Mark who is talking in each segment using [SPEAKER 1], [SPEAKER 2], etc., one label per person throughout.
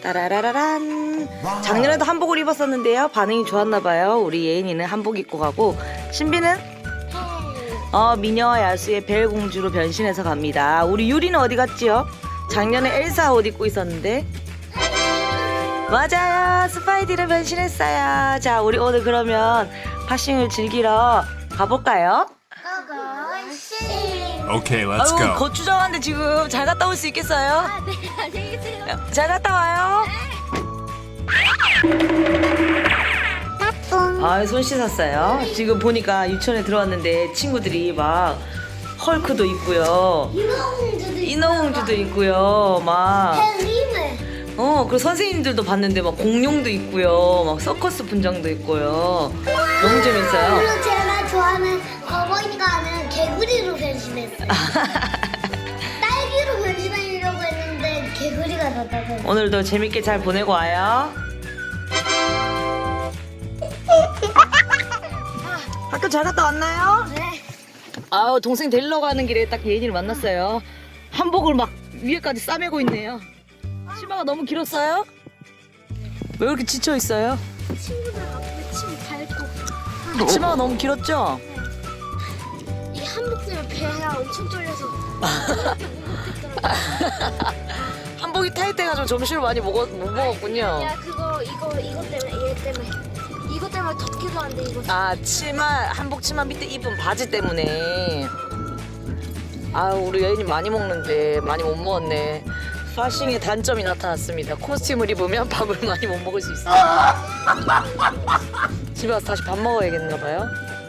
[SPEAKER 1] 따라라라란. 작년에도 한복을 입었었는데요. 반응이 좋았나봐요. 우리 예인이는 한복 입고 가고, 신비는 미녀와 야수의 벨 공주로 변신해서 갑니다. 우리 유리는 어디 갔지요? 작년에 엘사 옷 입고 있었는데. 맞아요, 스파이디로 변신했어요. 자, 우리 오늘 그러면 파싱을 즐기러 가볼까요?
[SPEAKER 2] Okay, let's
[SPEAKER 1] 아유,
[SPEAKER 2] go.
[SPEAKER 1] 거추장한데 지금 잘 갔다 올 수 있겠어요?
[SPEAKER 3] 네, 안녕히 계세요.
[SPEAKER 1] 잘 갔다 와요. 아, 손 씻었어요. 지금 보니까 유치원에 들어왔는데 친구들이 막 헐크도 있고요, 인어공주도 있고요, 막 그리고 선생님들도 봤는데 막 공룡도 있고요, 막 서커스 분장도 있고요. 너무 재밌어요.
[SPEAKER 3] 그리고 제가 좋아하는 어머니가 하는 개구리로 변신했어요. 딸기로 변신하려고 했는데 개구리가 나다고.
[SPEAKER 1] 오늘도 재밌게 잘 보내고 와요. 학교 잘 갔다 왔나요?
[SPEAKER 3] 네.
[SPEAKER 1] 아우, 동생 데리러 가는 길에 딱 예인이를 만났어요. 한복을 막 위에까지 싸매고 있네요. 치마가 너무 길었어요? 왜 이렇게 지쳐 있어요?
[SPEAKER 3] 친구들 앞에 침 밟고.
[SPEAKER 1] 치마가 너무 길었죠?
[SPEAKER 3] 이 한복 때문에 배가 엄청 쫄려서.
[SPEAKER 1] 한복이 타이트해가지고 점심을 많이 못 먹었군요.
[SPEAKER 3] 야 그거 이거 때문에 얘 때문에 이거 때문에 덥기도 한데 이거.
[SPEAKER 1] 아, 한복 치마 밑에 입은 바지 때문에. 아유, 우리 예인이 많이 먹는데 많이 못 먹었네. 파싱의 단점이 나타났습니다. 코스튬을 입으면 밥을 많이 못 먹을 수 있어요. 집에 가서 다시 밥 먹어야겠나 봐요.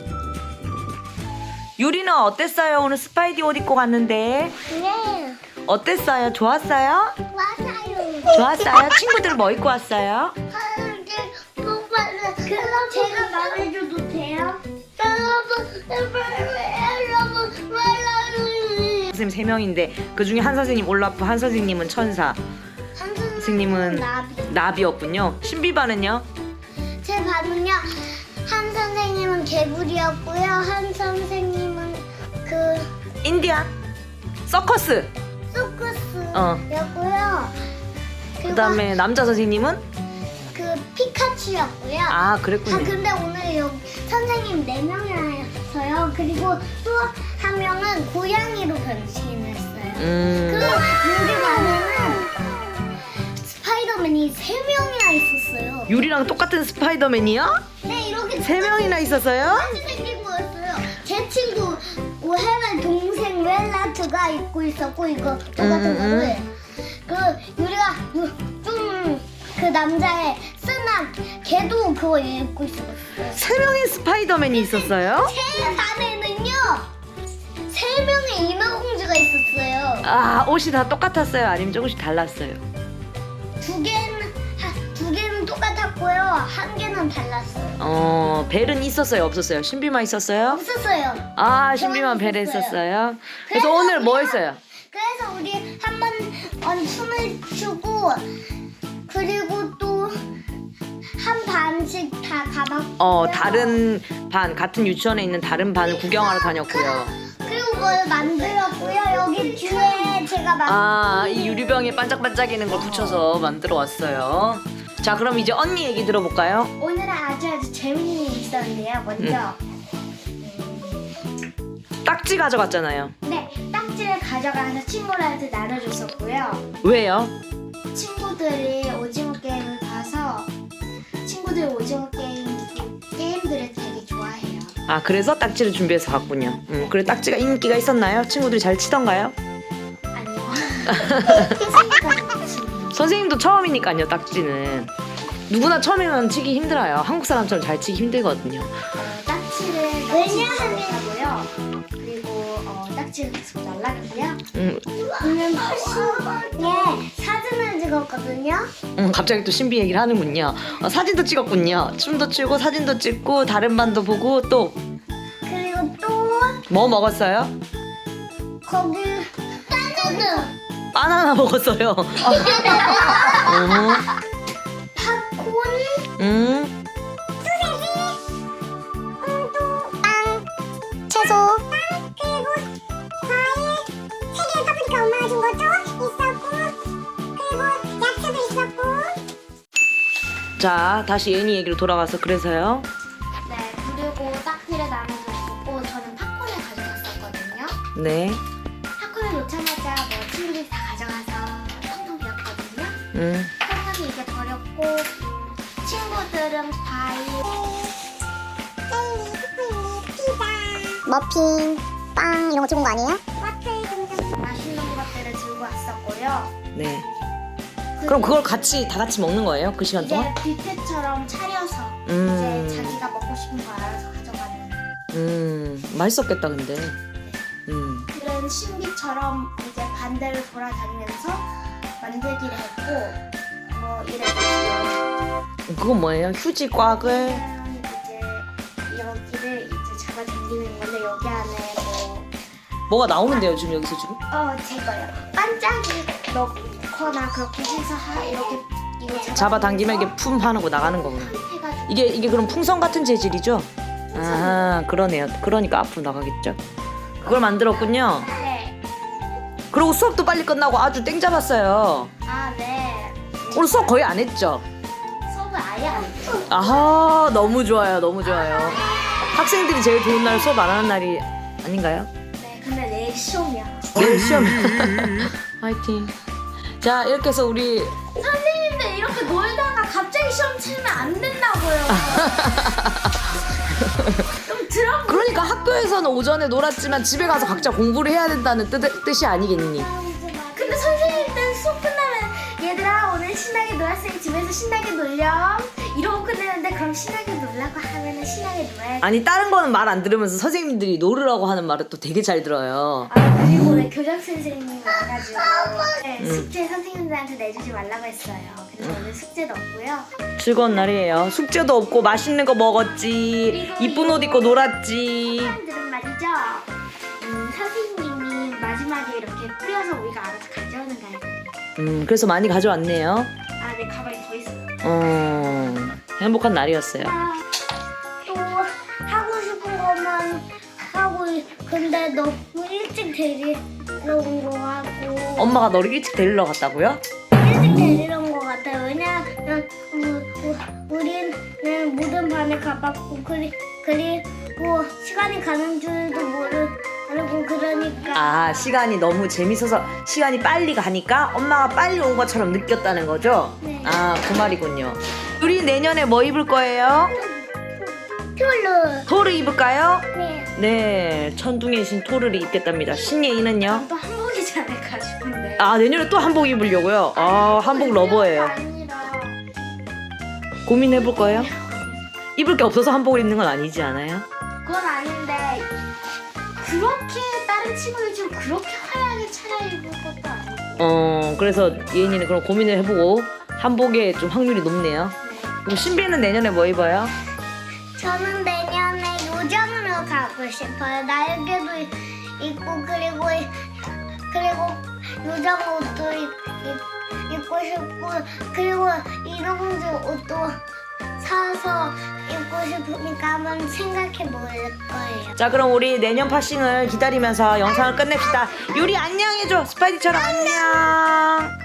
[SPEAKER 1] 유리는 어땠어요? 오늘 스파이디 옷 입고 갔는데
[SPEAKER 3] 네.
[SPEAKER 1] 어땠어요? 좋았어요?
[SPEAKER 3] 맞아요.
[SPEAKER 1] 좋았어요? 친구들 뭐 입고 왔어요?
[SPEAKER 3] 그럼 제가 말해줘도 돼요?
[SPEAKER 1] 선생님 3명인데 그 중에 한 선생님 올라프, 한 선생님은 천사, 선생님은 나비였군요. 신비반은요?
[SPEAKER 3] 제 반은요. 한 선생님은 개구리였고요. 한 선생님은 그
[SPEAKER 1] 인디안, 서커스.
[SPEAKER 3] 소쿠스였고요.
[SPEAKER 1] 그 다음에 남자 선생님은?
[SPEAKER 3] 그 피카츄였고요.
[SPEAKER 1] 아, 그랬군요.
[SPEAKER 3] 근데 오늘 여기 선생님 4명이라서요. 그리고 또 한 명은 고양이로 변신했어요. 그 우리 반에는 스파이더맨이 3명이나 있었어요.
[SPEAKER 1] 유리랑 똑같은 스파이더맨이요?
[SPEAKER 3] 네, 이렇게
[SPEAKER 1] 3명이나 있었어요?
[SPEAKER 3] 똑같이 생긴 거였어요. 제 친구 오해만 동생 웰라트가 입고 있었고 이거 똑같은 거를 그 유리가 좀 그 남자의 쓴한 걔도 그거 입고 있었어요.
[SPEAKER 1] 3명의 스파이더맨이 있었어요?
[SPEAKER 3] 제 반에는요 3명의 인어공주가 있었어요.
[SPEAKER 1] 아, 옷이 다 똑같았어요? 아니면 조금씩 달랐어요?
[SPEAKER 3] 두 개는 똑같았고요. 한 개는 달랐어요.
[SPEAKER 1] 벨은 있었어요? 없었어요? 신비만 있었어요?
[SPEAKER 3] 없었어요.
[SPEAKER 1] 아, 신비만 벨에 있었어요? 그래서 오늘 뭐 했어요?
[SPEAKER 3] 그래서 우리 한번 춤을 추고 그리고 또 한 반씩 다 가봤고요.
[SPEAKER 1] 다른 반, 같은 유치원에 있는 다른 반을 구경하러 다녔고요.
[SPEAKER 3] 그리고 뭘 만들었고요. 여기 뒤에 제가
[SPEAKER 1] 아, 이 유리병에 반짝반짝이는 걸 붙여서 만들어 왔어요. 자, 그럼 이제 언니 얘기 들어볼까요?
[SPEAKER 3] 오늘은 아주 재밌는 일이 있었는데요. 먼저
[SPEAKER 1] 딱지 가져갔잖아요.
[SPEAKER 3] 네, 딱지를 가져가서 친구들한테 나눠줬었고요.
[SPEAKER 1] 왜요?
[SPEAKER 3] 친구들이 오징어 게임을 봐서 친구들이 오징어 게임들을 되게 좋아해요.
[SPEAKER 1] 아, 그래서 딱지를 준비해서 갔군요. 그래, 딱지가 인기가 있었나요? 친구들이 잘 치던가요?
[SPEAKER 3] 아니요. 선생님까지 치는.
[SPEAKER 1] 선생님도 처음이니까요. 딱지는 누구나 처음에는 치기 힘들어요. 한국 사람처럼 잘 치기 힘들거든요.
[SPEAKER 3] 딱지를 왜냐하고요. 그리고 딱지를 계속 날라갔고요. 오늘 파싱에 사진을 찍었거든요.
[SPEAKER 1] 갑자기 또 신비 얘기를 하는군요. 사진도 찍었군요. 춤도 추고 사진도 찍고 다른 반도 보고 또
[SPEAKER 3] 그리고 또
[SPEAKER 1] 뭐 먹었어요?
[SPEAKER 3] 거기
[SPEAKER 1] 바나나 먹었어요.
[SPEAKER 3] 팝콘, 채소, 그리고 과일 3개 파프리카 엄마가 준 것도 있었고 그리고 야채도 있었고
[SPEAKER 1] 자, 다시 예니 얘기로 돌아가서 그래서요.
[SPEAKER 3] 네, 그리고 딱지를 나눠주고 저는 팝콘을 가져갔었거든요.
[SPEAKER 1] 네.
[SPEAKER 3] 팝콘을 놓자마자 뭐 친구들이 다 가져가서 텅텅 비었거든요. 텅텅이 이제 버렸고 친구들은 과일,
[SPEAKER 2] 머핀, 빵 이런 거 좋은 거 아니에요?
[SPEAKER 3] 마트에 등등 맛있는 것들을 들고 왔었고요.
[SPEAKER 1] 네. 그럼 그걸 같이 다 같이 먹는 거예요? 그 시간 동안?
[SPEAKER 3] 이제 뷔페처럼 차려서 이제 자기가 먹고 싶은 거 알아서 가져가는
[SPEAKER 1] 맛있었겠다 근데.
[SPEAKER 3] 그런 신비처럼 이제 반대를 돌아다니면서 만들기를 했고 뭐 이랬어요.
[SPEAKER 1] 그건 뭐예요? 휴지 꽉을.
[SPEAKER 3] 이제 여기를 이제 잡아 당기는 건데 여기 안에
[SPEAKER 1] 뭐가 나오는데요 지금 여기서 지금?
[SPEAKER 3] 제거요. 반짝이 넣거나 그렇게 해서 이렇게 이거
[SPEAKER 1] 잡아당기면 이게 품 하는 거 나가는 거구나.
[SPEAKER 3] 해가지고
[SPEAKER 1] 이게 그럼 풍선 같은 재질이죠? 아 그러네요. 그러니까 앞으로 나가겠죠. 그걸 만들었군요.
[SPEAKER 3] 네.
[SPEAKER 1] 그리고 수업도 빨리 끝나고 아주 땡 잡았어요.
[SPEAKER 3] 네.
[SPEAKER 1] 오늘 수업 거의 안 했죠?
[SPEAKER 3] 수업을 아예 안 했어요.
[SPEAKER 1] 아하 너무 좋아요. 너무 좋아요. 학생들이 제일 좋은 날 수업 안 하는 날이 아닌가요?
[SPEAKER 3] 네, 근데 내일 시험이야.
[SPEAKER 1] 내일 시험. 화이팅. 자 이렇게 해서 우리
[SPEAKER 3] 선생님들 이렇게 놀다가 갑자기 시험 치면 안 된다고요. 좀 들어.
[SPEAKER 1] 그러니까 학교에서는 오전에 놀았지만 집에 가서 각자 공부를 해야 된다는 뜻이 아니겠니?
[SPEAKER 3] 근데 선생님들 수업 끝나면 얘들아 오늘 신나게 놀았으니 집에서 신나게 놀렴 이러고 끝내는데 그럼 신나게 놀라고 하면은 신나게 놀아야지.
[SPEAKER 1] 아니 다른 거는 말 안 들으면서 선생님들이 놀으라고 하는 말을 또 되게 잘 들어요.
[SPEAKER 3] 그리고 오늘 교장 선생님이 와가지고 네, 숙제 선생님들한테 내주지 말라고 했어요. 그래서 오늘 숙제도 없고요.
[SPEAKER 1] 즐거운 날이에요. 숙제도 없고 맛있는 거 먹었지.
[SPEAKER 3] 그리고
[SPEAKER 1] 이쁜 옷 입고 놀았지.
[SPEAKER 3] 사람들은 말이죠. 선생님이 마지막에 이렇게 뿌려서 우리가 알아서 가져오는 거 알거든요.
[SPEAKER 1] 그래서 많이 가져왔네요.
[SPEAKER 3] 내 가방에 더 있어요.
[SPEAKER 1] 행복한 날이었어요.
[SPEAKER 3] 또 하고 싶은 것만 하고 근데 너무 일찍 데리러 온 거 같고
[SPEAKER 1] 엄마가 너를 일찍 데리러 갔다고요?
[SPEAKER 3] 일찍 데리러 온 거 같아요. 왜냐면 우리는 모든 반에 가봤고 그리고 시간이 가는 줄도 모르고 그러니까
[SPEAKER 1] 아 시간이 너무 재밌어서 시간이 빨리 가니까 엄마가 빨리 온 것처럼 느꼈다는 거죠?
[SPEAKER 3] 네.
[SPEAKER 1] 아 그 말이군요. 우리 내년에 뭐 입을 거예요?
[SPEAKER 3] 툴루
[SPEAKER 1] 토르 입을까요?
[SPEAKER 3] 네.
[SPEAKER 1] 네 천둥의 신 토르를 입겠답니다. 신예인은요?
[SPEAKER 3] 또 한복이지 않을까 싶은데
[SPEAKER 1] 아 내년에 또 한복 입으려고요? 아 한복 러버예요.
[SPEAKER 3] 아니라
[SPEAKER 1] 고민해볼 거예요? 입을 게 없어서 한복을 입는 건 아니지 않아요?
[SPEAKER 3] 그건 아닌데 그렇게 다른 친구들처럼 그렇게 화려하게 차려입을 것도 아니고
[SPEAKER 1] 그래서 예인이는 그럼 고민을 해보고 한복에 좀 확률이 높네요. 그럼 신비는 내년에 뭐 입어요?
[SPEAKER 3] 저는 내년에 요정으로 가고 싶어요. 날개도 있고 그리고 요정 옷도 입고 싶고 그리고 인어공주 옷도 사서 입고 싶으니까 한번 생각해 볼 거예요.
[SPEAKER 1] 자 그럼 우리 내년 파싱을 기다리면서 영상을 끝냅시다. 유리 안녕해줘. 스파이디처럼 안녕.